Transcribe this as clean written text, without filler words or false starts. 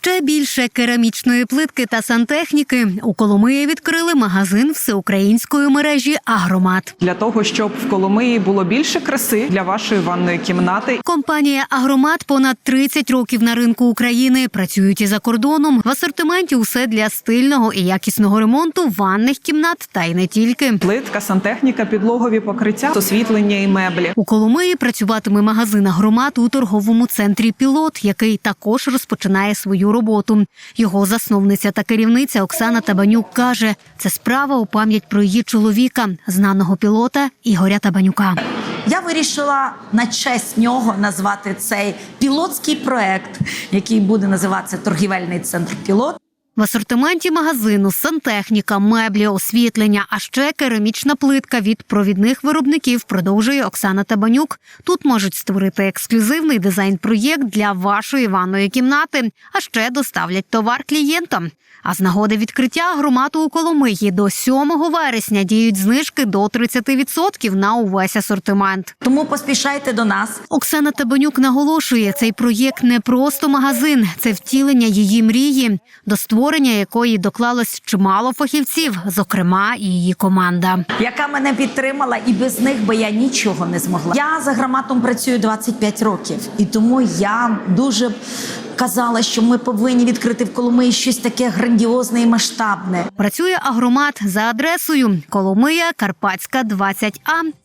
Ще більше керамічної плитки та сантехніки. У Коломиї відкрили магазин всеукраїнської мережі «Агромат». Для того, щоб в Коломиї було більше краси для вашої ванної кімнати. Компанія «Агромат» понад 30 років на ринку України. Працюють і за кордоном. В асортименті усе для стильного і якісного ремонту ванних кімнат та й не тільки. Плитка, сантехніка, підлогові покриття, освітлення і меблі. У Коломиї працюватиме магазин «Агромат» у торговому центрі «Пілот», який також розпочинає свою роботу. Його засновниця та керівниця Оксана Табанюк каже, це справа у пам'ять про її чоловіка, знаного пілота Ігоря Табанюка. Я вирішила на честь нього назвати цей пілотський проект, який буде називатися «Торгівельний центр Пілот». В асортименті магазину сантехніка, меблі, освітлення, а ще керамічна плитка від провідних виробників, продовжує Оксана Табанюк. Тут можуть створити ексклюзивний дизайн-проєкт для вашої ванної кімнати, а ще доставлять товар клієнтам. А з нагоди відкриття «Агромату» у Коломиї до 7 вересня діють знижки до 30% на увесь асортимент. Тому поспішайте до нас. Оксана Табанюк наголошує, цей проєкт не просто магазин, це втілення її мрії, до створення якої доклалось чимало фахівців, зокрема і її команда. Яка мене підтримала, і без них би я нічого не змогла. Я з «Агроматом» працюю 25 років, і тому я дуже казала, що ми повинні відкрити в Коломиї щось таке грандіозне і масштабне. Працює «Агромат» за адресою Коломия, Карпатська, 20А.